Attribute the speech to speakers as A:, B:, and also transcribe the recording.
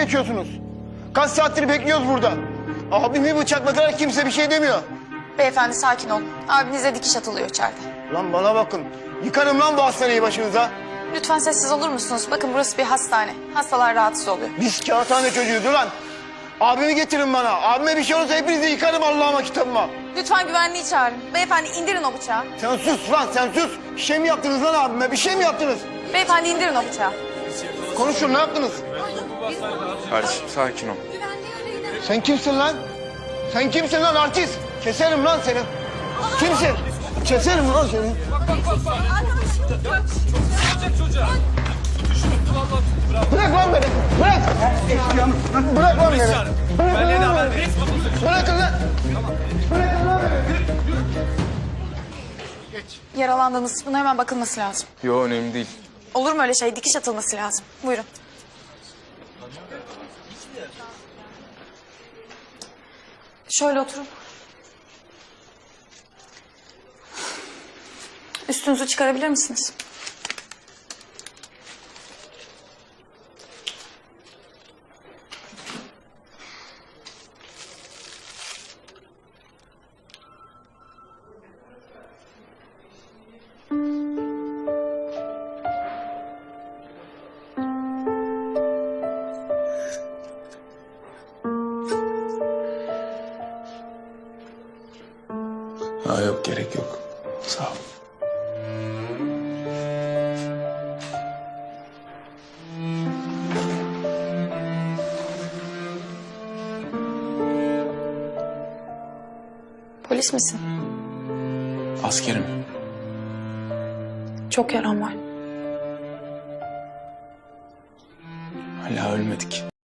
A: döküyorsunuz? Kaç saattir bekliyoruz burada. Abimi bıçakladılar, kimse bir şey demiyor.
B: Beyefendi sakin olun. Abinize dikiş atılıyor içeride.
A: Lan bana bakın. Yıkarım lan bu hastaneyi başınıza.
B: Lütfen sessiz olur musunuz? Bakın burası bir hastane. Hastalar rahatsız oluyor.
A: Biz kağıthane çocuğuyuz ulan. Abimi getirin bana. Abime bir şey olursa hepinizi yıkarım Allah'ıma kitabıma.
B: Lütfen güvenliği çağırın. Beyefendi indirin o bıçağı.
A: Sen sus lan sen sus. Bir şey mi yaptınız lan abime? Bir şey mi yaptınız?
B: Beyefendi indirin o bıçağı.
A: Konuşun ne yaptınız?
C: Kardeşim sakin ol.
A: Sen kimsin lan? Sen kimsin lan artist? Keserim lan seni. Kimsin? Keserim lan seni. Bırak lan beni. Bırak. Bırak lan beni. Bırakın lan. Bırakın lan beni.
B: Yaralandığınız buna hemen bakılması lazım.
C: Yo önemli değil.
B: Olur mu öyle şey? Dikiş atılması lazım. Buyurun. Şöyle oturun. Üstünüzü çıkarabilir misiniz?
C: Ha yok gerek yok. Sağ ol.
B: Polis misin?
C: Askerim.
B: Çok yaran var.
C: Hala ölmedik.